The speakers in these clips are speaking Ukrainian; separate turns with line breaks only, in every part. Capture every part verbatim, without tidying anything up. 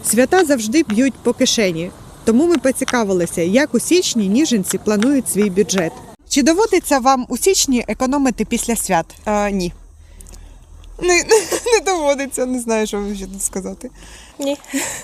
Свята завжди б'ють по кишені. Тому ми поцікавилися, як у січні ніжинці планують свій бюджет. Чи доводиться вам у січні економити після свят?
А, ні. Не, не доводиться, не знаю, що ще тут сказати.
Ні.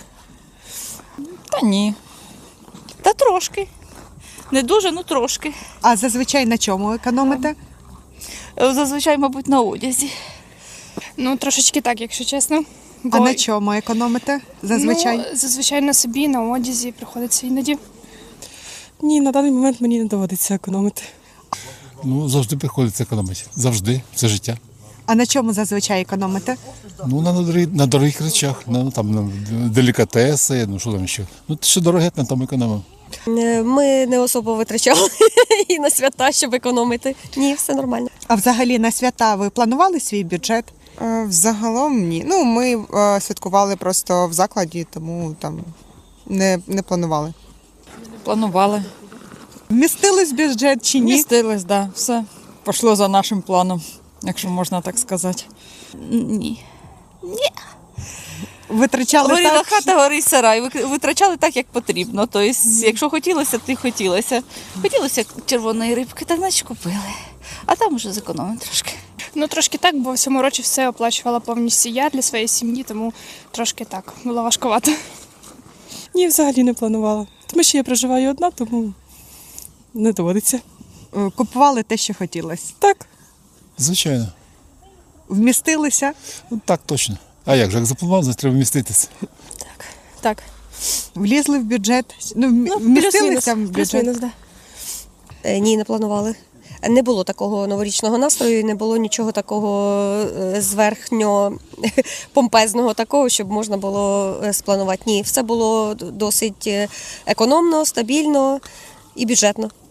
Та ні. Та трошки. Не дуже, ну трошки.
А зазвичай на чому економите?
Зазвичай, мабуть, на одязі.
Ну, трошечки так, якщо чесно.
А на чому економите зазвичай?
Ну, зазвичай на собі, на одязі приходиться іноді.
Ні, на даний момент мені не доводиться економити.
Ну, завжди приходиться економити. Завжди. Це життя.
А на чому зазвичай економите?
Ну, на, дорогих, на дорогих речах, на, там, на делікатеси, ну що там ще. Ну, що дороге, на тому економимо.
Ми не особо витрачали і на свята, щоб економити. Ні, все нормально.
А взагалі на свята ви планували свій бюджет?
А, взагалом ні. Ну, ми а, святкували просто в закладі, тому там не, не планували.
Планували.
Вмістились в бюджет чи ні?
Містились, да. Все пішло за нашим планом, якщо можна так сказати. Ні.
Витрачали
Горіла
так?
хата, горить сарай. Ви- Витрачали так, як потрібно. Тобто, якщо хотілося, то й хотілося. Хотілося червоної рибки, так значить купили. А там уже зекономимо трошки.
Ну, трошки так, бо в цьому році все оплачувала повністю я для своєї сім'ї, тому трошки так, було важкувато.
Ні, взагалі не планувала. Тому що я проживаю одна, тому не доводиться.
Е, Купували те, що хотілося.
Так.
Звичайно.
Вмістилися?
Ну, так точно. А як же, як запланував, значить треба вміститися.
Так.
Влізли в бюджет? Ну, вм- вмістилися в бюджет?
Плюс-мінус, да. Е, Ні, не планували. Не було такого новорічного настрою, і не було нічого такого е, зверхньо помпезного такого, щоб можна було е, спланувати. Ні, все було досить е, економно, стабільно і бюджетно.